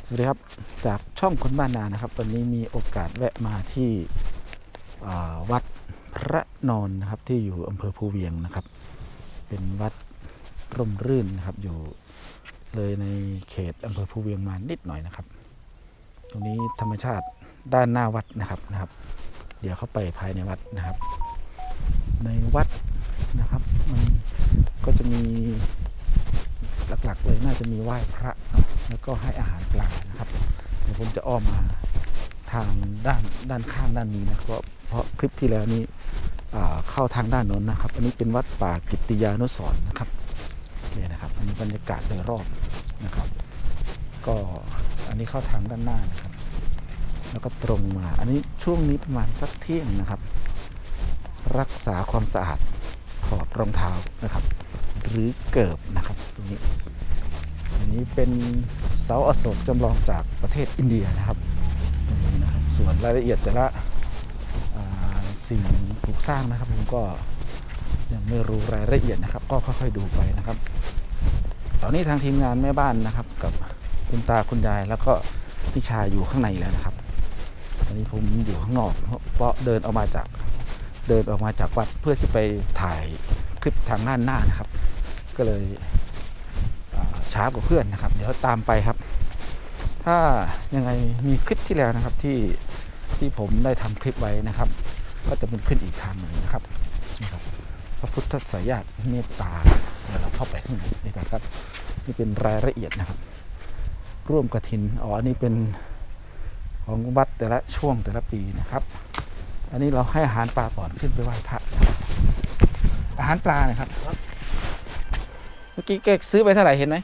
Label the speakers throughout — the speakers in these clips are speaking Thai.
Speaker 1: สวัสดีครับจากช่องคนบ้านนานะครับวันนี้มีโอกาสแวะมาที่วัดพระนอนนะครับที่อยู่อำเภอภูเวียงนะครับเป็นวัดร่มรื่นนะครับอยู่เลยในเขตอำเภอภูเวียงมานิดหน่อยนะครับตรงนี้ธรรมชาติด้านหน้าวัดนะครับเดี๋ยวเข้าไปภายในวัดนะครับในวัดนะครับมันก็จะมีหลักๆเลยน่าจะมีไหว้พระแล้วก็ให้อาหารปลานะครับเดี๋ยวผมจะอ้อมมาทางด้านข้างด้านนี้นะครับเพราะคลิปที่แล้วนี้เข้าทางด้านโน้นนะครับอันนี้เป็นวัดป่ากิตติยานุสรณ์นะครับนี่นะครับอันนี้บรรยากาศโดยรอบนะครับก็อันนี้เข้าทางด้านหน้านะครับแล้วก็ตรงมาอันนี้ช่วงนี้ประมาณสักเที่ยงนะครับรักษาความสะอาดถอดรองเท้านะครับหรือเกิบนะครับตรงนี้อันนี้เป็นเสาอโศกจำลองจากประเทศอินเดียนะครับตรงนี้นะครับส่วนรายละเอียดแต่ละสิ่งปลูกสร้างนะครับผมก็ยังไม่รู้รายละเอียดนะครับก็ค่อยๆดูไปนะครับตอนนี้ทางทีมงานแม่บ้านนะครับกับคุณตาคุณยายแล้วก็พี่ชายอยู่ข้างในแล้วนะครับตอนนี้ผมอยู่ข้างนอกเพราะเดินออกมาจากวัดเพื่อที่ไปถ่ายคลิปทางด้านหน้านะครับก็เลยช้ากว่าเพื่อนนะครับเดี๋ยวตามไปครับถ้ายังไงมีคลิปที่แล้วนะครับที่ผมได้ทำคลิปไว้นะครับก็จะเป็นขึ้นอีกทางหนึ่งนะครับพระพุทธสายาตเมตตาเดี๋ยวเราเข้าไปข้างในด้วยกันครับนี่เป็นรายละเอียดนะครับร่วมกฐินอันนี้เป็นของวัดแต่ละช่วงแต่ละปีนะครับอันนี้เราให้อาหารปลาก่อนขึ้นไปไหว้พระอาหารปลานะครับเมื่อกี้แกซื้อไปเท่าไหร่เห็นไหม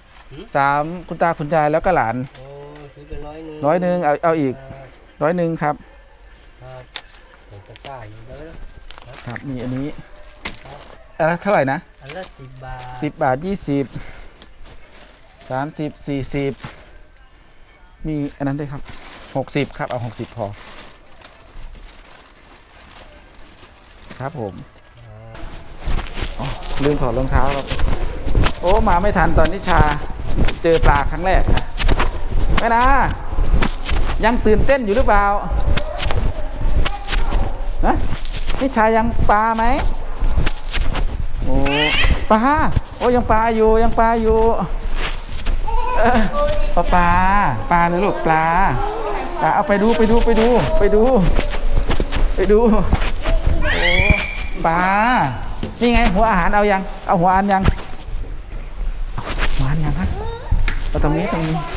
Speaker 1: 3คุณตาคุณยายแล้วก็หลาน
Speaker 2: ซื้อไป
Speaker 1: 100เอาอีก100ครับ
Speaker 2: เห็นตะกร้าอยู่แล้ว
Speaker 1: ครับมีอันนี้อันละเท่าไหร่นะ
Speaker 2: อันละ10 บาท
Speaker 1: 10 บาท20 30 40มีอันนั้นด้วยครับ60ครับเอา60พอครับผมลืมถอดรองเท้าครับโอ้มาไม่ทันตอนนิชาเจอปลาครั้งแรกแม่นายังตื่นเต้นอยู่หรือเปล่านะนิชายังปลาไหมโอ้ปลาโอ้ยังปลาอยู่ปลาเลยลูกปลาเอาไปดูโอ้ปลานี่ไงหัวอาหารเอายังเอาหัวอาหารยังฮะเอาตรงนี้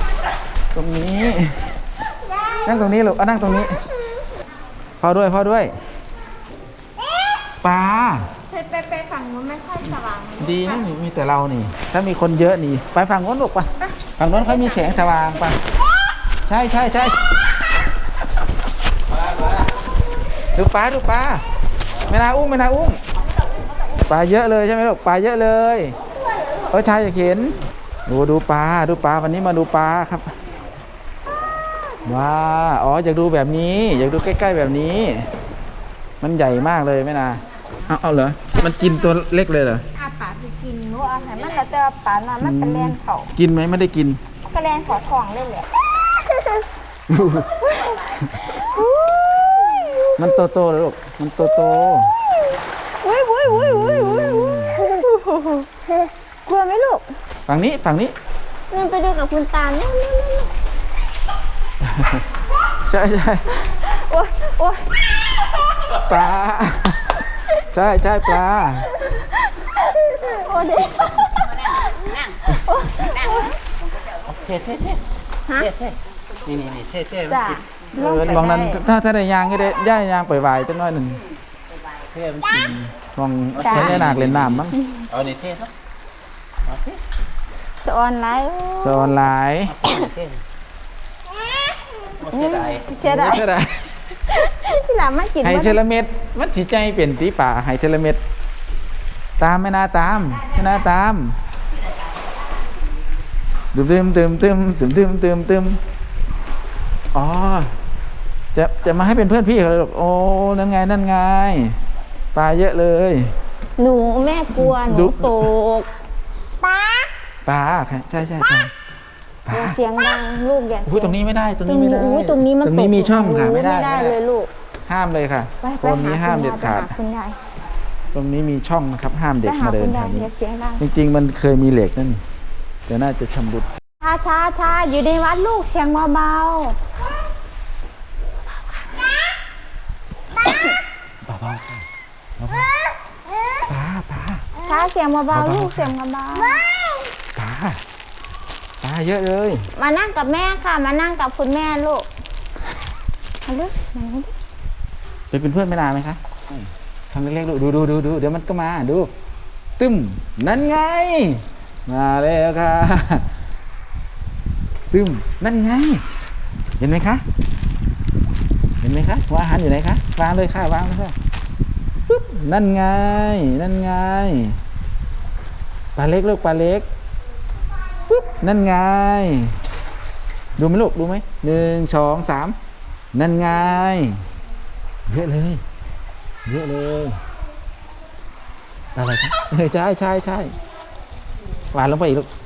Speaker 1: นั่งตรงนี้ลูกเอานั่งตรงนี้พอด้วยปลา
Speaker 3: ไปฝั่งนู้นไม่ค่อยสว่าง
Speaker 1: ดีนะมีแต่เรานี่ถ้ามีคนเยอะนี่ไปฝั่งโน้นลูกป่ะฝั่งโน้นเขามีแสงสว่างป่ะใช่ดูปลาไม่น่าอุ้มปลาเยอะเลยใช่ไหมลูกปลาเยอะเลยชายอยากเห็นดูปลาวันนี้มาดูปลาครับว้าอยากดูแบบนี้อยากดูใกล้ๆแบบนี้มันใหญ่มากเลยไม่นาเอาเหรอมันกินตัวเล็กเลยเหรอ
Speaker 3: ปลาไปกินนู้อาหารมันแล้วแต่ปลาน่ะมันเป็นแลนเขา
Speaker 1: กินไหมไม่ได้กิน
Speaker 3: ก็แลนขอทองเลยแหละ
Speaker 1: มันโตเลยลูกมันโต
Speaker 3: อุ้ยกลัวไหมลูก
Speaker 1: ฝั่งนี้
Speaker 3: นั่นไปดูกับคุณตานู่น
Speaker 1: ใช่
Speaker 3: โอ้ย
Speaker 1: ปลาใช่ปลา
Speaker 3: โอ้เด็ก
Speaker 2: เท่นี่เท่
Speaker 3: จ้ะ
Speaker 1: มองนั้นถ้าได้ยางก็ได้ย่ายางปล่อยๆจังน้อยหนึ่ง
Speaker 2: เท่มันกิน
Speaker 1: มองใช้หนักเล่นน้ำมั้ง
Speaker 2: เอานี่เท่ครับ
Speaker 3: สอนไลน์เสียดายที่หลานมากิน
Speaker 1: ไฮเทเลเม็ดมันสีใจเปลี่ยนตีป่าไฮเทเลเม็ดตามไม่น่าตามตึมอ๋อจะมาให้เป็นเพื่อนพี่เขาเลยหรอกโอ้นั่นไงปลาเยอะเลย
Speaker 3: หนูแม่กลัวหนูตกปลา
Speaker 1: ใช่
Speaker 3: อย่าเสียงดังลูกอย่า
Speaker 1: อุ้ย
Speaker 3: เสียง
Speaker 1: ตรงนี้ไม่ได้ตรงนี้ไม่ได้
Speaker 3: อุ้ยตรงนี้มัน
Speaker 1: ตรงนี้มีช่องค่ะ
Speaker 3: ตก
Speaker 1: ไม่ได้
Speaker 3: เลยลูก
Speaker 1: ห้ามเลยค่ะ
Speaker 3: ไป
Speaker 1: ตรงนี้ห้ามเด็ดขาด
Speaker 3: ไปหคุณยาย
Speaker 1: ตรงนี้มีช่องนะครับ ห้าม
Speaker 3: ไป
Speaker 1: เด็ก
Speaker 3: หา
Speaker 1: มาเดิ
Speaker 3: คุ
Speaker 1: น
Speaker 3: ณ
Speaker 1: แถ
Speaker 3: ยายว
Speaker 1: นี้
Speaker 3: อย่าเสียงดัง
Speaker 1: จริงๆมันเคยมีเหล็กนั่นแต่น่าจะชำรุด
Speaker 3: ช้าอยู่ในวัดลูกเสียงเบา
Speaker 1: เบาๆค่ะป้า
Speaker 3: ๆช้าเสียงเบาๆลูกเสียงเบา
Speaker 1: ป้าเยอะเลย
Speaker 3: ๆมานั่งกับแม่ค่ะ มานั่งกับคุณแม่ลูกมาลูกมาลูก
Speaker 1: ไปเป็นเพื่อนไม่นานไหมคะทำเล็กๆดูเดี๋ยวมันก็มาดูตึ้มนั่นไงมาแล้วค่ะตึ้มนั่นไงเห็นไหมคะว่าอาหารอยู่ไหนคะวางเลยค่ะวางเลยค่ะปึ๊บนั่นไงปลาเล็กลูกปลาเล็กปึ๊บนั่นไงดูไหมลูกดูไหม1 2 3นั่นไงเยอะเลยอะไรครับใช่วางลงไปอีกลูก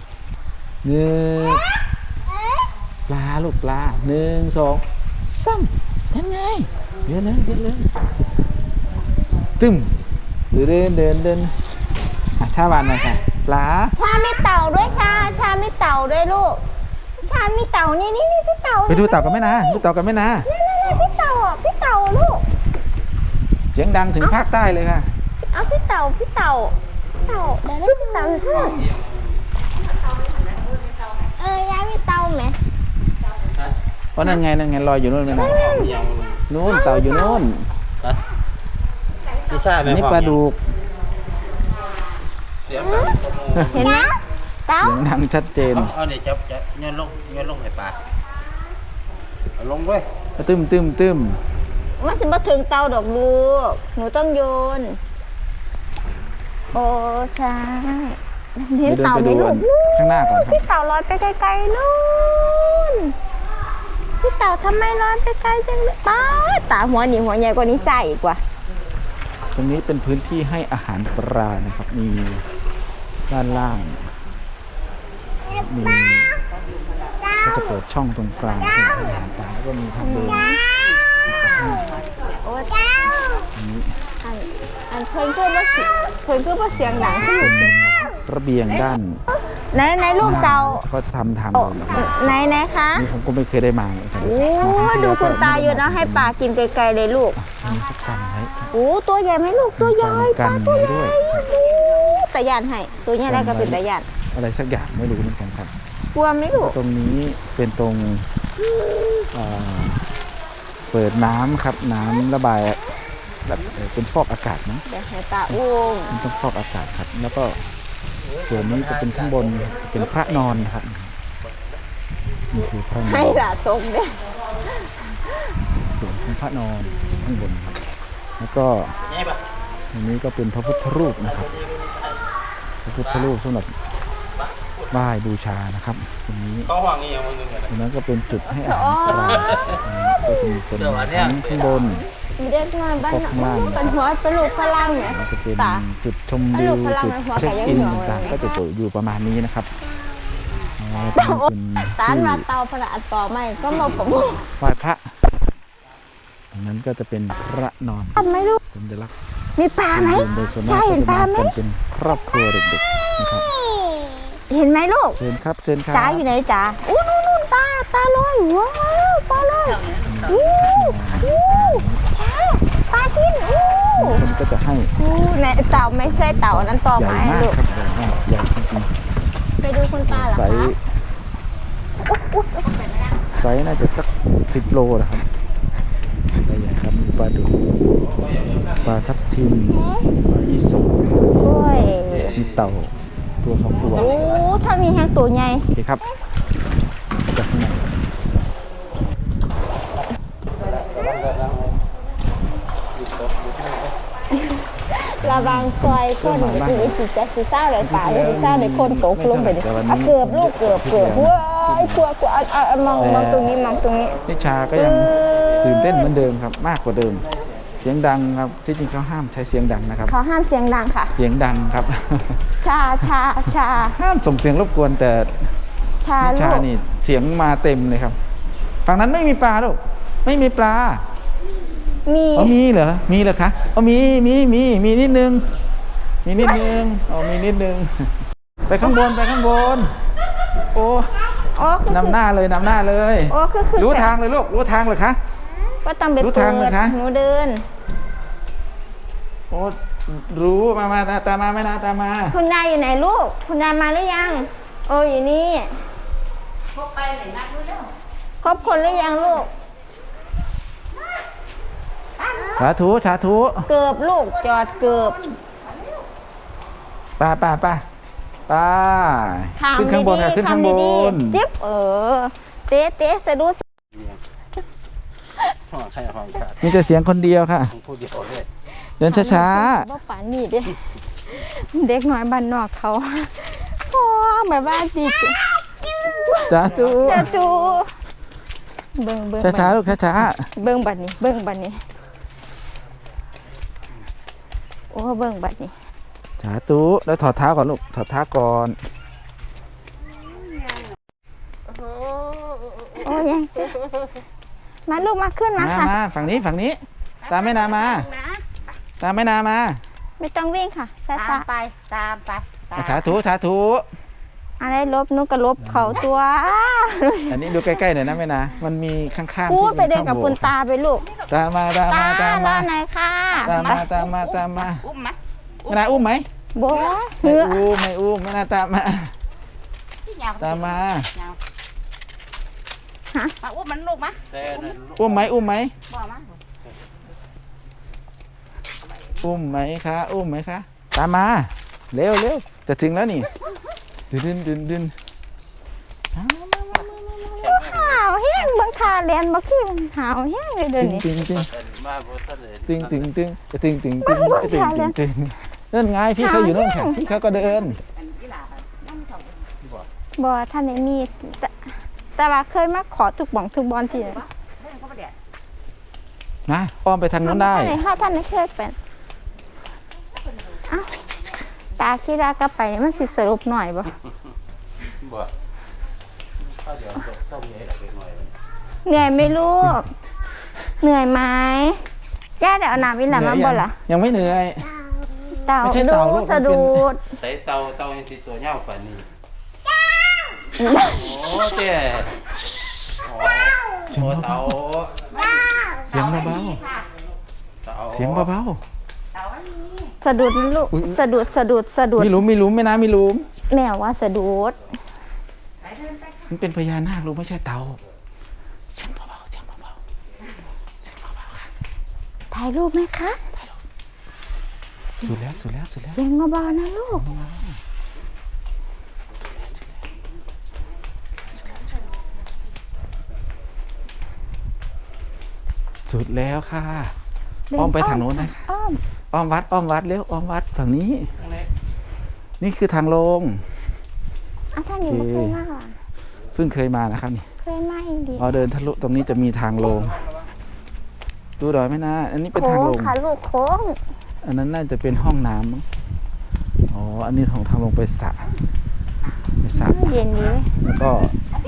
Speaker 1: ปลาลูกปลา1 2 3นั่นไงเยอะเลยตึ้มเดินชาวานหน่อยค่ะปลา
Speaker 3: ชามีเต่าด้วยชามีเต่าด้วยลูกชามีเต่านี่พี่เต่า
Speaker 1: ไปดูเต่ากันไหมนะนี่พี่เต่า
Speaker 3: ลูก
Speaker 1: เสียงดังถึงภาคใต้เลยค่ะ
Speaker 3: เอาพี่เต่าเดี๋ยวได้พี่เต่าอยู่ข้างยายมีเต่าไหม
Speaker 1: เพราะนั่นไงลอยอยู่นู่นไหมนะนู่นเต่าอยู่นู่น
Speaker 2: ไม่ใช่
Speaker 1: อันนี้ปลาดุก
Speaker 2: เสียงดัง
Speaker 3: เห็นไหมเต่า
Speaker 1: เสียงดังชัดเจน
Speaker 2: เอาเนี่ยจับย้อนลงให้ปลาเอาลงเว้ย
Speaker 1: ตึ้ม
Speaker 3: มันจะมาถึงเต่าดอกลูกหนูต้องโยนโอ้ใช่เห็น
Speaker 1: เดิน
Speaker 3: เต่า
Speaker 1: ไป
Speaker 3: ไหม
Speaker 1: ดู
Speaker 3: ลูก
Speaker 1: ข้างหน้าก่อนครับ
Speaker 3: พี่เต่าลอยไปไกลๆนู่นพี่เต่าทำไมลอยไปไกลจังเลยป้าตาหัวใหญ่กว่านี้ใส่อีกว่า
Speaker 1: ตรงนี้เป็นพื้นที่ให้อาหารปลานะครับมีด้านล่างมีก็จะเปิดช่องตรงกลางสำหรับให้อาหารปลาแล้วก็มีทางเดิน
Speaker 3: โอ้เจ้าอันเพิ่นคือว่าเสียงดังที่อยู่
Speaker 1: ระเบียงด้าน
Speaker 3: ไหนลูกเต่า
Speaker 1: เขาจะทำทางเดินนะครับ
Speaker 3: ไหนคะ
Speaker 1: นี่ผมก็ไม่เคยได้มาเลยครับ
Speaker 3: โอ้ดูคุณตาอยู่นะให้ปลากินไกลๆเลยลูก
Speaker 1: มีสักกันไว้
Speaker 3: โอ้ตัวใหญ่ไหมลูกตัวใหญ่ป
Speaker 1: กั
Speaker 3: ลาน ตัว
Speaker 1: ไว้
Speaker 3: ใหญ่
Speaker 1: ด้วย
Speaker 3: ตะยานให้ตัวใหญ่ได้ก็เป็นตะยาน
Speaker 1: อะไรสักอย่างไม่รู้เหมือนกันครับ
Speaker 3: กลัวไหมลูก
Speaker 1: ตรงนี้เป็นตรงเปิดน้ำครับน้ำระบายแบบเป็นฟอกอากาศนะ
Speaker 3: เดี๋ยวให้ตาอุ้ม
Speaker 1: มันต้องฟอกอากาศครับ แล้วก็ส่วนนี้จะเป็นข้างบนเป็นพระนอนนะครับนี่คือพระนอ
Speaker 3: ให้
Speaker 1: น
Speaker 3: ตาตรงเนี่ย
Speaker 1: ส่วนของพระนอนข้างบนครับ แล้วก็ตรงนี้ก็เป็นพระพุทธรูปนะครับพระพุทธรูปสำหรับไหว้บูชานะครับตรงนี้
Speaker 2: เขาห่วงอีกอย่างนึงกัน
Speaker 1: ตรงนั้นก็เป็นจุดให้อาหารปลาก็จะมีคนทั้งข้างบน
Speaker 3: มีเด็กน้อยบ้านเป็นหัวเป็นลูกฝรั่งเนี่ย
Speaker 1: แล้วจะเป็น
Speaker 3: ตา
Speaker 1: จุดชมวิวจุดเช็คอินต่างๆก็จะอยู่ประมาณนี้นะครับเป็น
Speaker 3: ตาน
Speaker 1: ที่
Speaker 3: มาเตาพระอัดต่อไม่ก็มาผม
Speaker 1: ไหว้พระตรงนั้นก็จะเป็นพระนอน
Speaker 3: ทำไหมลูก
Speaker 1: สัญลักษณ์
Speaker 3: มีปลาไหม
Speaker 1: โดยส่วนมา
Speaker 3: ใช่
Speaker 1: กก็
Speaker 3: เห็น
Speaker 1: จะ
Speaker 3: ปลา
Speaker 1: มา
Speaker 3: ไหม
Speaker 1: กันเป็นครอบครัวเด็กๆนะครับ
Speaker 3: เห็นไหมลูก
Speaker 1: เชิญครับเชิญครับ
Speaker 3: จ๋าอยู่ไหนจ๋าอู้นู่นตาลอยว้าวปลาลอยอู้ช้าปลากินอู้
Speaker 1: คนก็จะให้
Speaker 3: ในเต่าไม่ใช่เต่านั้นต่อ
Speaker 1: ใหญ่
Speaker 3: ไม้
Speaker 1: มาก
Speaker 3: ลูก
Speaker 1: ครับใหญ่มากใหญ่จริง
Speaker 3: ไปดูคุณตาเหรอ
Speaker 1: ๆไซ
Speaker 3: คะ
Speaker 1: ส์ไซส์น่าจะสัก10 โลนะครับใหญ่ๆครับมีปลาดุกปลาทับทิมปลายี่สก
Speaker 3: โอ้ย
Speaker 1: มีเต่าตัว2 ตัว
Speaker 3: โอ้ถ้ามีแห้งตัวใหญ่
Speaker 1: โอเคครับจากข้างใน
Speaker 3: ระวังซอยคนอีสิจะสิซ่าเลยป่าเลยสิซ่าเลยคนตกลงไปดิเกือบลูกเกือบว้ายกลัวมองตรงนี้มองตรงนี้
Speaker 1: นิชาก็ยังตื่นเต้นเหมือนเดิมครับมากกว่าเดิม เสียงดังครับที่จริงเขาห้ามใช้เสียงดังนะครับ
Speaker 3: เขาห้ามเสียงดังค่ะ
Speaker 1: เสียงดังครับ
Speaker 3: ชา
Speaker 1: ห้ามส่งเสียงรบกวนแต่
Speaker 3: ชา
Speaker 1: นิ
Speaker 3: ลู
Speaker 1: ชาก นี่เสียงมาเต็มเลยครับฝั่งนั้นไม่มีปลาลูกไม่มีปลา
Speaker 3: มี
Speaker 1: อ๋อมีเหรอมีเหรอคะอ๋อมีนิดนึงมีนิดนึงอ๋อมีนิดนึงไปข้างบนไปข้างบนโอ้
Speaker 3: โอ้คือน
Speaker 1: ำหน้าเลยนำหน้าเลย
Speaker 3: โอ้คือ
Speaker 1: รู้ทางเลยลูกรู้ทางเหรอคะ
Speaker 3: ว่าต้องไป
Speaker 1: รู้
Speaker 3: เปิ
Speaker 1: ทางเหรอ
Speaker 3: ด
Speaker 1: คะ
Speaker 3: หนูเดิน
Speaker 1: โอ้รู้มาตามมาไม่นาตามมา
Speaker 3: คุณยายอยู่ไหนลูก คุณยายมาหรือยังโอ้อยู่นี่ครบคนหรือยังลูก
Speaker 1: สาธุ
Speaker 3: เกือบลูกจอดเกือบ
Speaker 1: ไป้าขึ้นข้างบนค่ะขึ้นข้างบน
Speaker 3: จิ๊บเตะสะดุด
Speaker 2: ห้องใครห้องขาด
Speaker 1: มีแต่เสียงคนเดียวค่ะ
Speaker 2: ห้องผู้เดียวเลย
Speaker 1: เดินช้า
Speaker 3: ว่าป่านนี่เด้เด็กน้อยบ้านนอกเขาโอ้แบบว่าดี
Speaker 1: ๆสาธุ
Speaker 3: จะจูเบิ่ง
Speaker 1: ช้าๆลูกช้า
Speaker 3: เบิ่งบัดนี้โอ้เบิ่งบัดนี้
Speaker 1: ๆสาธุแล้วถอดเท้าก่อนลูกถอดเท้าก่อน
Speaker 3: โอ้ยังมาลูกมาขึ้นมา
Speaker 1: มา
Speaker 3: ค่ะ
Speaker 1: มาฝั่งนี้ตามแม่นามาตามแม่นามา
Speaker 3: ไม่ต้องวิ่งค่ะช้า
Speaker 4: ตามไป
Speaker 1: สาธุ
Speaker 3: ๆอะไรลบนุกกระลบเขาตัว
Speaker 1: อันนี้ดูใกล้ๆหน่อยนะแม่นามันมีข้างๆ
Speaker 3: พูดไป
Speaker 1: ที่
Speaker 3: เดินกับคุณตาไปลูก
Speaker 1: ตามมา
Speaker 3: ตารอหน่อยค่ะ
Speaker 1: ตามมา
Speaker 4: อุ้มไหม
Speaker 1: แม่นาอุ้มไหม
Speaker 3: บัว
Speaker 1: ไม่
Speaker 3: เหือ
Speaker 1: อุ้มแม่นาตามมา ตามมา
Speaker 4: มาอุ้มมันลูกมะ
Speaker 2: แซ่นั่นลูก
Speaker 1: อุ้มไหม
Speaker 4: บอกมา
Speaker 1: อุ้มไหมคะตามมาเร็วจะถึงแล้วนี่ดึน
Speaker 3: หาวแห้งเบิ่งทาเรียนบ่คือหาวแห้งเลยเดี๋ยวนี้
Speaker 1: ตึง
Speaker 2: มาบ่ทันเลย
Speaker 1: เดินไงพี่เขาอยู่โน่นค่ะพี่เขาก็เดิน
Speaker 3: บ่ท่านได้มีแต่ว่าเคยมาขอทุกบ่องทุกบอลที่
Speaker 1: นะอ้อมไปทางนู้นได้
Speaker 3: ท่านได้เคยเป็นอ้าวตาคิดว่ากลับไปนี่มันสิสรุปหน่อยบ่
Speaker 2: บ่ข้าวเดี๋ยวต้มใหญ่หน่อย
Speaker 3: เหนื่อยไหมลูก เหนื่อยไหมย่าเดี๋ยวเอาน้ำวิลามาบ่ล่ะ
Speaker 1: ยังไม่เหนื่อย
Speaker 3: เต่า
Speaker 1: ไม่ใช่
Speaker 3: ดู
Speaker 1: เต่าลูก
Speaker 3: สะดุด
Speaker 2: ใส่เตายังสิตัวเหย้าปานนี้โอ้เจ้โอ้เตา
Speaker 1: เสียงเบา
Speaker 2: เตา
Speaker 1: ๆเสียงเบา
Speaker 3: สะดุดนะลูก สะดุด
Speaker 1: ๆมีหลุมไม่น้ำมีหลุม
Speaker 3: แม่ว่าสะดุด
Speaker 1: มันเป็นพญานาครู้ไม่ใช่เต่าเสียงเบาๆ
Speaker 3: ถ่ายรูปไหมคะ
Speaker 1: สุดแล้ว
Speaker 3: เสียงเบาๆนะลูก
Speaker 1: สุดแล้วค่ะอ้อมไปทางโน้นนะ
Speaker 3: อ้อม
Speaker 1: อ้อมวัดเร็วอ้อมวัดฝั่งนี้ นี่คือทางลง
Speaker 3: ท่านนี้ไม่เคยมาว่ะ
Speaker 1: เพิ่งเคยมานะครับนี่
Speaker 3: เคยมาอีกดี
Speaker 1: พอเดินทะลุตรงนี้จะมีทางลงดูดอยไหมนะอันนี้เป็น
Speaker 3: โค้
Speaker 1: ทาง
Speaker 3: ง
Speaker 1: ลง
Speaker 3: ค่ะลูกโค้ง
Speaker 1: อันนั้นน่าจะเป็นห้องน้ำมั้งอ๋ออันนี้ของทางลงไปสระ
Speaker 3: เย็นดี
Speaker 1: แล้วก็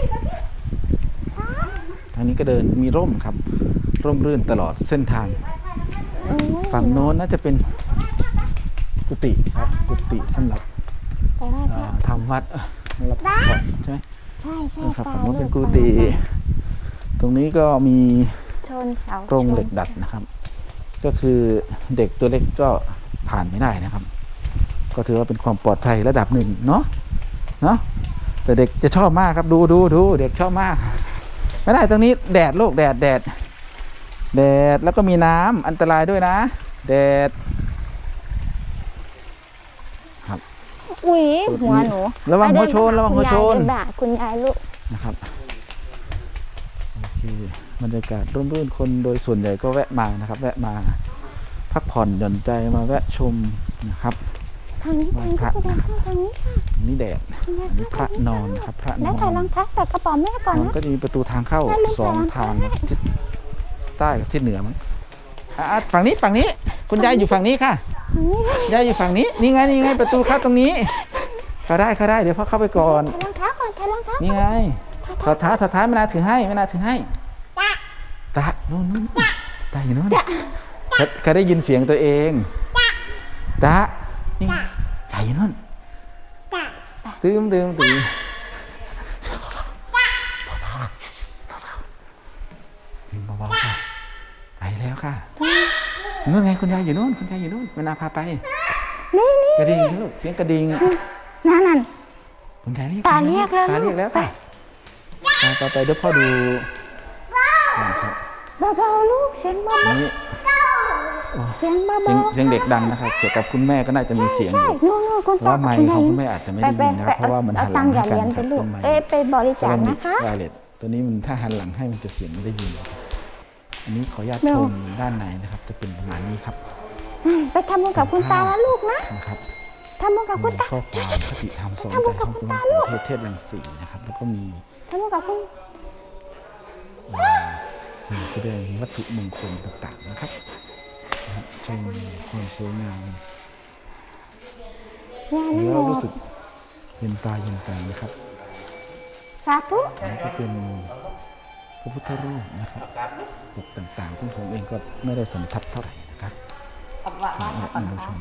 Speaker 1: ทางนี้ก็เดินมีร่มครับ ร่มรื่นตลอดเส้นทาง ฝั่งโน้นน่าจะเป็นกุฏิครับกุฏิสำหรับ
Speaker 3: ไปไหว้พระ
Speaker 1: ทำวัดสำหรับพักผ่อนใช่ไหม
Speaker 3: ใช่ใช่
Speaker 1: นะครับ
Speaker 3: ไป
Speaker 1: ฝั่งโน้นเป็น
Speaker 3: ลู
Speaker 1: กุฏิตรงนี้ก็มี
Speaker 3: ชนเสา
Speaker 1: โครงเหล็กดัดนะครับ ก็คือเด็กตัวเล็กก็ผ่านไม่ได้นะครับ ก็ถือว่าเป็นความปลอดภัยระดับหนึ่งเนาะแต่เด็กจะชอบมากครับดูเด็กชอบมาก ไม่ได้ตรงนี้แดดโลกแดดแล้วก็มีน้ำอันตรายด้วยนะแดด
Speaker 3: อุ้ยหัวหนู
Speaker 1: ระวังหัวชน
Speaker 3: ไปเดิ
Speaker 1: ระวังหัวชน
Speaker 3: คุณยายเดิบ่าคุณยายลูก
Speaker 1: นะครับโอเคบรรยากาศร่มรื่นคนโดยส่วนใหญ่ก็แวะมานะครับ แวะมาพักผ่อนหย่อนใจมาแวะชมนะครับ
Speaker 3: ทางนี้
Speaker 1: ไหว้พระ
Speaker 3: แสดงเข้าทางนี้ค่ะ
Speaker 1: นี่แดด
Speaker 3: คุณยาย
Speaker 1: อันนี้พระนอนนะครับพระน
Speaker 3: แล้ว
Speaker 1: อ
Speaker 3: ถ่ายร
Speaker 1: น
Speaker 3: องเท้าใส่กระเป๋าแม่ก่อน
Speaker 1: มัน
Speaker 3: นะ
Speaker 1: ก็จะมีประตูทางเข้า
Speaker 3: แม่ลืม
Speaker 1: สอง
Speaker 3: ใส่รอง
Speaker 1: ทาง
Speaker 3: เท้า
Speaker 1: ทิศใต้กับทิศเหนือมั้งฝั่งนี้คุณยายอยู่ฝั่งนี้ค่ะ
Speaker 3: ทางนี้
Speaker 1: ยายอยู่ฝั่งนี้นี่ไงประตูเข้าตรงนี้เข้าได้เดี๋ยวพ่อเข้าไปก่อน
Speaker 3: ถ่ายรองเท้าก่อนถอดรองเท้า
Speaker 1: นี่ไงถอดเท้าไม่น่าถือให้ตาโน่นตาอยู่โน่นเขาได้ยินเสียงตัวเองตานี่ตาอยู่โน่นตื่มเบาๆค่ะไปแล้วค่ะนู่นไงคุณยายอยู่โน่นไม่น่าพาไป
Speaker 3: นี่
Speaker 1: กระดิ่งลูกเสียงกระดิ่ง
Speaker 3: นั่น
Speaker 1: คุณยาย
Speaker 3: ตาเรียกแล้ว
Speaker 1: ตาเรียกแล้วค่ะไปเดี๋ยวพ่อดูครับ
Speaker 3: เบาๆลูกเสียงเบา
Speaker 1: นี่
Speaker 3: ๆเสียงเบาๆ
Speaker 1: เสียงเด็กดังนะครับเสียงกับคุณแม่ก็น่าจะมีเสียงอยู่
Speaker 3: นู่นคุณ
Speaker 1: ว่าไมค์ของคุณแม่อาจจะไม่ได้ยินนะครับเพราะว่ามันหันหลังให้กันครับ
Speaker 3: ลูก
Speaker 1: ต้นไม้
Speaker 3: ไปบริจาคนะคะ
Speaker 1: ไวเลสตัวนี้มันถ้าหันหลังให้มันจะเสียงไม่ได้ยินอันนี้ขออนุญาตชมด้านในนะครับจะเป็นประมาณนี้ครับ
Speaker 3: ไปทำบุญกับคุณตาแล้วลูกนะ
Speaker 1: นะครับ
Speaker 3: ทำบุญกับคุณตา
Speaker 1: ข้อความคติธรรมสอนใจของคุณประเทศเทพรังสีนะครับแล้วก็มี
Speaker 3: ทำบุญกับคุณ
Speaker 1: สิ่งแสดงวัตถุมงคลต่างๆนะครับชมความสวยงาม
Speaker 3: ย่านั่ง
Speaker 1: แล้ว
Speaker 3: รอ
Speaker 1: รู้สึกเย็นตาเย็นใจนะครับ
Speaker 3: สาธุ
Speaker 1: แล้วก็เป็นพระพุทธรูปนะครับปกต่างๆ ซึ่งผมเองก็ไม่ได้สัมผัสเท่าไหร่นะครับท่านผู้ชม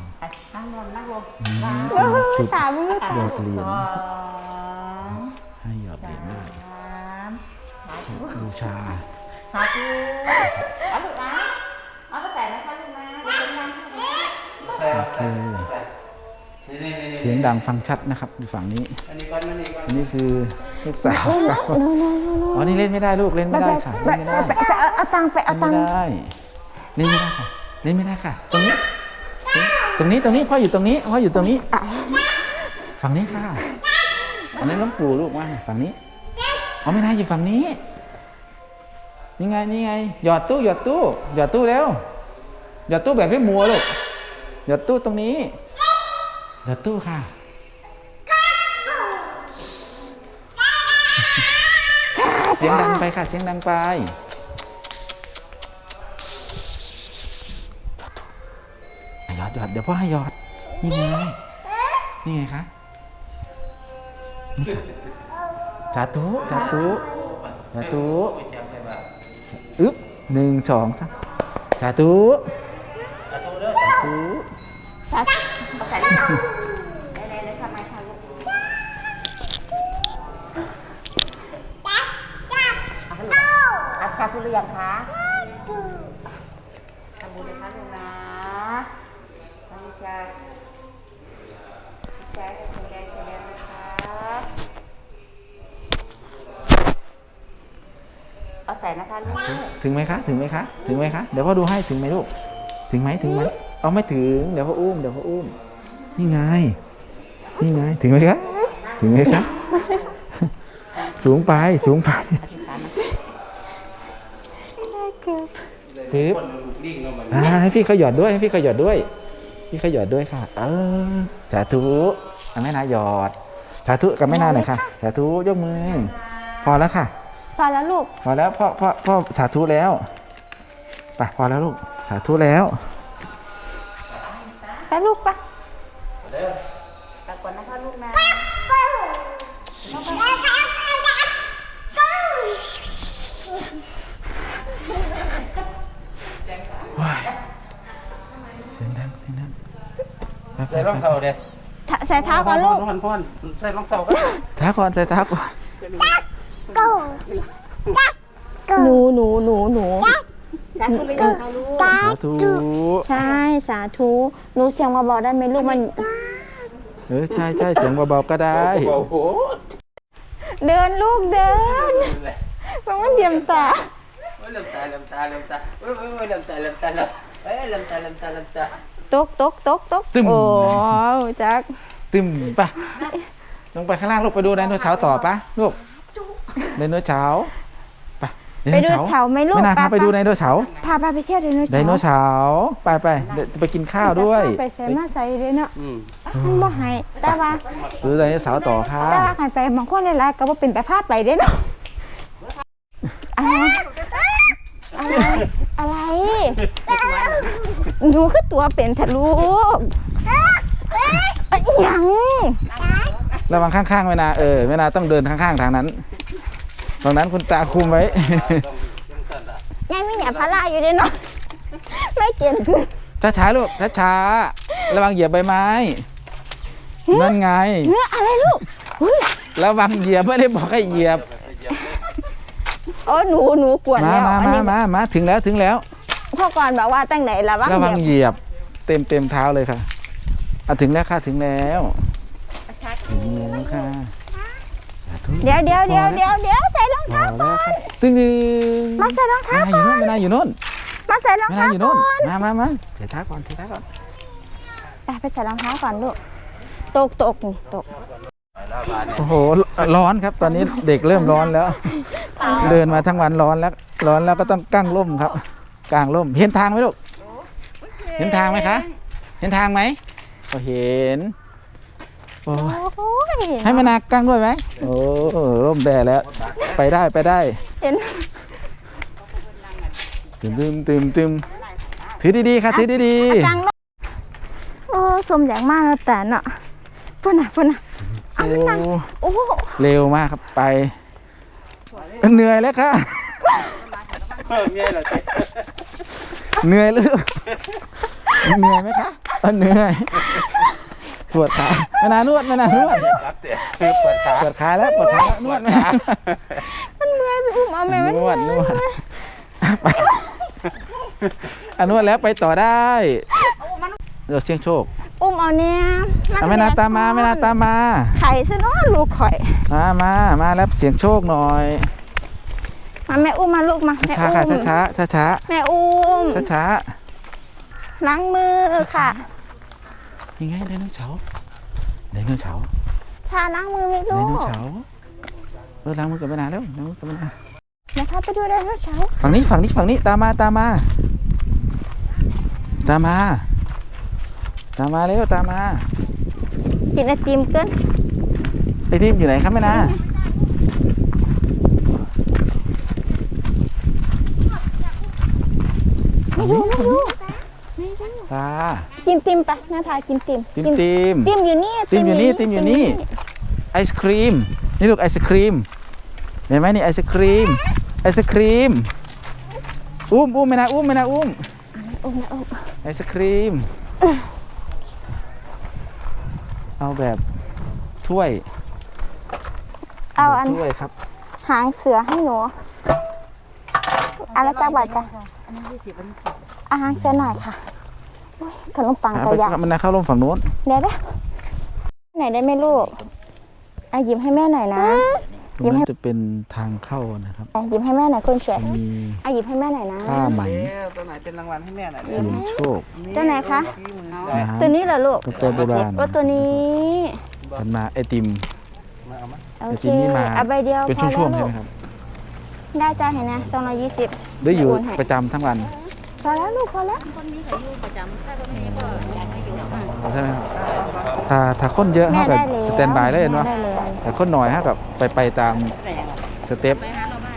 Speaker 1: จุด
Speaker 3: ตาบุญ
Speaker 1: หยอดเหรียญนะครับให้หยอดเหรียญได้บูชา
Speaker 3: สาธุเอาลูกนะเอาไปใส่นะคะลูกนะเดี๋ยวเป็นน้ำ
Speaker 1: โอเคเสียงดังฟังชัดนะครับอยู่ฝั่งนี้อันนี้คือลูกสาวครับอ๋อนี่เล่นไม่ได้ลูกเล่นไม่ได้ค่ะเล่นไม่ได้
Speaker 3: เอาตังค์ไปเอาตังค์
Speaker 1: เล่นไม่ได้ค่ะเล่นไม่ได้ค่ะตรงนี้พ่ออยู่ตรงนี้ฝั่งนี้ค่ะอันนี้นหลวงปู่ลูกว่าฝั่งนี้อ๋อไม่ได้อยู่ฝั่งนี้นี่ไงหยอดตู้แล้วหยอดตู้แบบให้มัวลูกหยอดตู้ตรงนี้หยอดตู้ค่ะเสียงดังไปค่ะเสียงดังไปหยอดเดี๋ยวพ่อให้หยอดนี่ไงคะนี่ค่ะสาธุอึ๊บ1 2 3สาธุ
Speaker 3: สาธุเอาใส่เลยเลยทำไมคะลูกสาธุหรือยังคะทำบุญเลยคะลูกนะทำบุญจ้าใจแข็งแรงนะคะเอาใส่นะคะลูก
Speaker 1: ถึงไหมคะเดี๋ยวพ่อดูให้ถึงไหมลูกถึงไหมเอาไม่ถึงเดี๋ยวพ่ออุ้มนี่ไงถึงไหมคะสูงไปปึ๊บให้พี่เขาหยอดด้วยค่ะสาธุแม่นาหยอดสาธุกับแม่นาหน่อยค่ะสาธุยกมือพอแล้วค่ะ
Speaker 3: พอแล้วลูก
Speaker 1: พอแล้วพ่อสาธุแล้วไปพอแล้วลูกสาธุแล้ว
Speaker 3: ไปลูกไปกลับก่อนนะคะลูกนะ
Speaker 1: เสียงดัง
Speaker 2: ใส่รองเท้าเด้
Speaker 3: ใส่เท้าก่อนลูก
Speaker 2: พ่อนใส่รองเท้าก่อน
Speaker 1: เท้าก่อนใส่เท้าก่อน
Speaker 3: หนูสาธุเลยค่ะลูก
Speaker 1: สาธุ
Speaker 3: ใช่สาธุหนูเสียงมาบอกได้ไหมลูกมัน
Speaker 1: ใช่เสียงเบาๆก็ได้
Speaker 2: โอ้โห
Speaker 3: เดินลูกเดินมันว่าเดียมตา
Speaker 2: ลืมตาลืมตาลืมตา
Speaker 3: ตกโอ้จัก
Speaker 1: ตึมไปลงไปข้างล่างลูกไปดูไดโนเสาร์ต่อปะลูกไดโนเสาร์ไป
Speaker 3: ดูเขาไหมลูก
Speaker 1: ไม่น่าพาไปดูไดโนเสาร์
Speaker 3: พาไปเที่ยวไดโนเสาร์
Speaker 1: ไปเดี๋ยวไปกินข้าวด้วย
Speaker 3: ไปใส่มาใส่เลยเนาะมันบ่ให้แต่ว่า
Speaker 1: ดูไดโนเสาร์ต่อค่ะ
Speaker 3: แต่ว่ากันไปบางคนหลายๆก็บ่เป็นแต่พาไปเด้เนาะอะไรหนูคือตัวเป็นทะลูกยัง
Speaker 1: ระวังข้างๆแม่นาแม่นาต้องเดินข้างๆทางนั้นตรงนั้นคุณตาคุมไว้
Speaker 3: ยังไม่หยาพาราอยู่ด้วยเนาะไม่เก่งขึ้น
Speaker 1: ช้าๆลูกช้าๆระวังเหยียบใบไม้นั่นไง
Speaker 3: เนื้ออะไรลูกอุ๊ย
Speaker 1: ระวังเหยียบไม่ได้บอกให้เหยียบ
Speaker 3: โอ้หนูปวดแล้วอันนี้
Speaker 1: มาถึงแล้ว
Speaker 3: พ่อก่อนบอกว่าตั้งไหนระวัง
Speaker 1: ระวัง
Speaker 3: เหยียบ
Speaker 1: เหยียบเต็มเท้าเลยค่ะถึงแล้วค่ะถึงแล้วค่ะ
Speaker 3: เดี๋ยวใส่รองเท้าก่อน
Speaker 1: ตึ้ง
Speaker 3: มาใส่รองเท้า
Speaker 1: ไม่
Speaker 3: ก่อน
Speaker 1: น่าอยู่นู่น
Speaker 3: มาใส่รอง
Speaker 1: ไม่
Speaker 3: เท้า
Speaker 1: น่าอยู่
Speaker 3: ก่
Speaker 1: นู่
Speaker 3: อน น
Speaker 1: มาใส่เท้าก่อน
Speaker 3: ไปใส่รองเท้าก่อนลูกตกนี่ตก
Speaker 1: โอ้โหร้อนครับ ตอนนี้เด็กเริ่มร้อนแล้ว เดินมาทั้งวันร้อนแล้วก็ต้องกั้งร่มครับกางร่มเห็นทางไหมลูกเห็นทางไหมคะเห็นทางไหมก็เห็นโอ้
Speaker 3: โอ้ย
Speaker 1: ให้มานากกั้งด้วยไหมโอ้ร่มแดดแล้วไปได้
Speaker 3: เห็น
Speaker 1: ตึมถือดีๆค่ะถือดี
Speaker 3: จังลูกโอ้สมอย่างมากแล้วแต่เนาะพุ่นน่ะ
Speaker 1: ๆ
Speaker 3: เอามันนั่งโอ้
Speaker 1: เร็วมากครับไปเหนื่อยแล้วค่ะ เหนื่อยหรือเหนื่อยไหมคะเหนื่อยปวดขาไม่นานวด
Speaker 2: ปวดขา
Speaker 1: แล้วนวดไม่นาน
Speaker 3: มันเมื่อยไปอุ้มเอาแม่มัน
Speaker 1: นวดไปนวดแล้วไปต่อได้เดี๋ยวเสี่ยงโชค
Speaker 3: อุ้มเอาเนี่ย
Speaker 1: ไม่นานตามมา
Speaker 3: ไข่ซะเนาะลูกข่อย
Speaker 1: มาแล้วเสี่ยงโชคหน่อย
Speaker 3: มาแม่อุ้มมาลูกมาแม่
Speaker 1: ช้า
Speaker 3: อุ้ม
Speaker 1: ค่ะช้า
Speaker 3: แม่อุ้ม
Speaker 1: ช้า
Speaker 3: ล้างมือค่ะ
Speaker 1: ยังไงไดโนเสาร์
Speaker 3: ชาล้างมือไหม่
Speaker 1: ได
Speaker 3: ลู
Speaker 1: โน
Speaker 3: ก
Speaker 1: เสาร์ล้างมือกันไปนานแล้วล้างมือกันไปนาน
Speaker 3: นะคะไปดูไดโนเสาร์
Speaker 1: ฝั่งนี้ตามมาเร็วตามมา
Speaker 3: กินไอติมเกิน
Speaker 1: ไอทีมอยู่ไหนครับแม่นา
Speaker 3: ไม่ดู
Speaker 1: ตา
Speaker 3: กินติมไปแม่พากินติม
Speaker 1: ติม
Speaker 3: ติมอยู่นี่
Speaker 1: ไอศครีมนี่ลูกไอศครีมเห็นไหมนี่ไอศครีมอุ้มแม่นาอุ้ม
Speaker 3: อุ้มนะอุ้ม
Speaker 1: ไอศครีมเอาแบบถ้วย
Speaker 3: เอาอัน
Speaker 1: ถ้วยครับ
Speaker 3: หางเสือให้หนูอะไรจ้าบาทจ้ะ
Speaker 4: อันนี้20 อันนี้10
Speaker 3: อาหางเสือหน่อยค่ะโอ้ยขนมปังกระยา
Speaker 1: มันเข้าร่มฝั่งโน้น
Speaker 3: เดี๋ยวไหนได้ไหมลูกเอาหยิบให้แม่หน่อยนะ
Speaker 1: ตรงนั้นจะเป็นทางเข้านะครับ
Speaker 3: หยิบให้แม่หน่อยคนสวย
Speaker 1: มี
Speaker 3: เอาหยิบให้แม่หน่อยนะ
Speaker 1: ผ้าไหม
Speaker 2: ตัวไหนเป็นรางวัลให้แม่หน่อย
Speaker 1: เสียงโชค
Speaker 3: ตัวไหนคะ
Speaker 1: น้ำ
Speaker 3: ตัวนี้เหรอลูก
Speaker 1: กาแฟโบราณ
Speaker 3: ก็ตัวนี้
Speaker 1: พันมาไอติม
Speaker 2: มาเอามา
Speaker 3: โอ
Speaker 1: ไอ
Speaker 3: เค
Speaker 1: ติมนี่มา
Speaker 3: เอาใบเดียว
Speaker 1: เป็น
Speaker 3: พอ
Speaker 1: ช่วงๆ
Speaker 3: แล้
Speaker 1: ใช่
Speaker 3: ว
Speaker 1: ไหมครับ
Speaker 3: ได้จ้าเห็นนะ220
Speaker 1: หรืออยู่ประจำทั้งวัน
Speaker 3: พอแล้วลูกพอแล้ว
Speaker 4: คนนี้ก็อยู่ประจำถ้าคนนี้ก็อยากให้อยู่
Speaker 1: ใช่ไหมครับถ้าคนเยอะ
Speaker 3: แม่
Speaker 1: เท่ากับ
Speaker 3: ได้เลย
Speaker 1: สแตนบายเลยเนาะ
Speaker 3: ได้เลย
Speaker 1: แต่คนหน่อยเท่ากับไปตามสเต็ป
Speaker 4: ไปหาเราบ้าน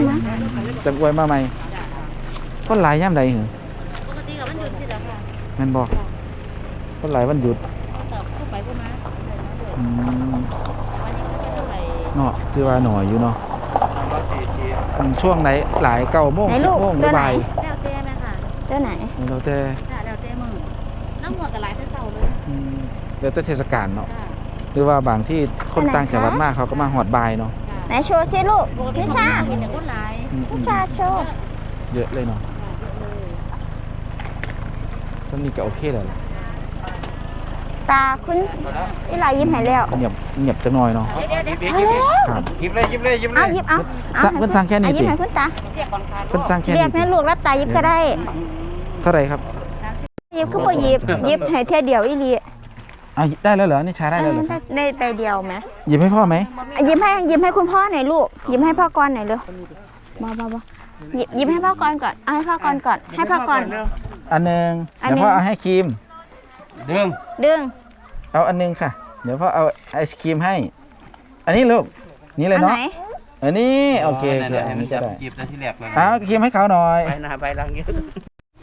Speaker 1: จะอวยมาใหม่คนหลายย่ำใดเหรอ
Speaker 4: ปกติกับมันหยุดสิแล้วค่ะ
Speaker 1: แม่นบอกคนหลายวันหยุด
Speaker 4: แต่ผู้ไปผู้มา
Speaker 1: อืม
Speaker 4: วันนี้ก็เท่าไหร่
Speaker 1: เนาะคือว่าหน่อยอยู่เนาะ ช่วงไหนหลาย9 โมง
Speaker 3: ไหน
Speaker 1: 10
Speaker 3: ลูก
Speaker 1: โมง
Speaker 3: ตัวไหน
Speaker 1: บ่าย
Speaker 4: แล้วแต่แม่ค่ะ
Speaker 3: ตัวไหน
Speaker 1: แล้วแต่
Speaker 4: ค่ะแล้วแต่มือน้ำหมวกกับหลายเท่าเลย
Speaker 1: แล้วแต่เทศกาลเนาะ
Speaker 4: ค่ะ
Speaker 1: หรือว่าบางที่คนต่างจังหวัดมากเขาก็มาหอดบ่ายเนาะ
Speaker 3: ไหนโชว์สิลูก
Speaker 4: ปกติ
Speaker 3: นิ
Speaker 4: ของ
Speaker 3: ชา
Speaker 4: เราเห็นแต่คนหลาย
Speaker 3: นิชาโชว์
Speaker 1: เยอะเลยเนาะ
Speaker 4: เยอะเลย
Speaker 1: ซันนี่ก็โอเคแล้วล่ะ
Speaker 3: ตาคุณอีหลายิ้มให้แล้ว
Speaker 1: เงียบจังหน่อยเนาะ
Speaker 3: เอาแล้ว
Speaker 1: ครับ
Speaker 2: หยิบเลย
Speaker 3: เอาหยิบเอา
Speaker 1: เพิ่นสั่งแค่นี้
Speaker 3: เอาหยิ
Speaker 1: สิ
Speaker 3: บให้คุณตา
Speaker 1: เพิ่นสั่งแค่
Speaker 3: เรีย
Speaker 1: นี้
Speaker 3: กให้ลูกรับตาหยิบก็ได้
Speaker 1: เท่าไหร่ครับ
Speaker 3: หยิบคือบ่หยิบหยิบให้เท่ยเดียวอีหลี
Speaker 1: เอาได้แล้วเหรอนี่ชาได้แล้วเหรอครับ
Speaker 3: ได้ใบเดียวไหม
Speaker 1: หยิบให้พ่อไหม
Speaker 3: หยิบให้คุณพ่อหน่อยลูกหยิบให้พ่อกรหน่อยเร็วบ่หยิบให้พ่อกรก่อนเอาให้พ่อกรก่อนให้พ่อกร
Speaker 1: อันหนึง
Speaker 3: อัน
Speaker 1: เดี๋ยว
Speaker 3: หนึ่ง
Speaker 1: พ่อเอาให้ครีม
Speaker 2: ดึง
Speaker 3: ดึง
Speaker 1: เอาอันหนึงค่ะ เดี๋ยวพ่อเอาไอศครีมให้ อันนี้ลูกนี่เลย
Speaker 3: อัน
Speaker 1: เนาะ
Speaker 3: ไหน
Speaker 1: อันนี้โอเค
Speaker 2: นั่น
Speaker 1: เดี๋ยว
Speaker 2: แหละ
Speaker 1: อันนี้
Speaker 2: จั
Speaker 1: ก็
Speaker 2: บ
Speaker 1: ได้
Speaker 2: หยิบแต่ที่แรกเลย
Speaker 1: เอาครีมให้เขาหน่อย
Speaker 2: ไปหน้าไปหลังเยอะ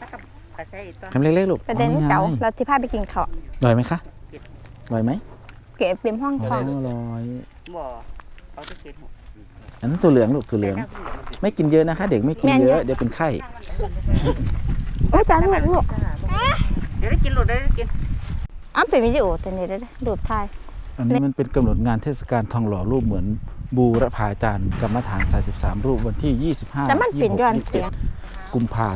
Speaker 1: ทำเล็กๆลูก
Speaker 3: ประเด็น
Speaker 1: อ๋อ
Speaker 3: เก่า
Speaker 1: ไง
Speaker 3: เราที่พาไปกินข้าว
Speaker 1: อร่อยไหมคะอร่อยไหม
Speaker 3: เก็บเป็นห้อง
Speaker 1: 200
Speaker 3: ค่ะ
Speaker 2: บ่เอาที่กิน
Speaker 1: อันนั้นตัวเหลืองลูกตัวเหลือง ไม่กินเยอะนะคะ เด็กไม่กินเยอะเดี๋ยวเป็นไข้
Speaker 3: โอ้ยจานลูก
Speaker 2: เดี๋ยวได้กินหลุดได้กิน
Speaker 3: อ้าวเป็นวิดีโอแต่นี่ได้รูปถ่าย
Speaker 1: อันนี้มันเป็นกำหนดงานเทศกาลทองหล่อรูปเหมือนบูรพาจารย์กรรมฐาน43รูปวันที่ 25
Speaker 3: แต่มันเป็นย้อนเสียง
Speaker 1: 27กุมภา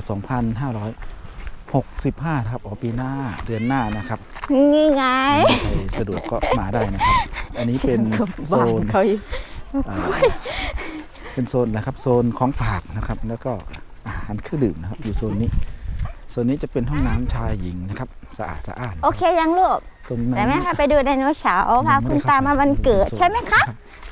Speaker 1: 2565ครับปีหน้าเดือนหน้านะครับ
Speaker 3: นี่ไง
Speaker 1: ใครสะดวกก็มาได้นะครับ อันนี้เป็นโซน
Speaker 3: เขาอีก
Speaker 1: อ่าเป็นโซนนะครับโซนของฝากนะครับ แล้วก็อาหารเครื่องดื่มนะครับอยู่โซนนี้โซนนี้จะเป็นห้องน้ำชายหญิงนะครับสะอาดสะอาด
Speaker 3: โอเคยังลูก
Speaker 1: ตรงนั้น
Speaker 3: แต่แม่พาไปดูไดโนเสาร์พาคุณตามาวันเกิดใช่ไหมคะ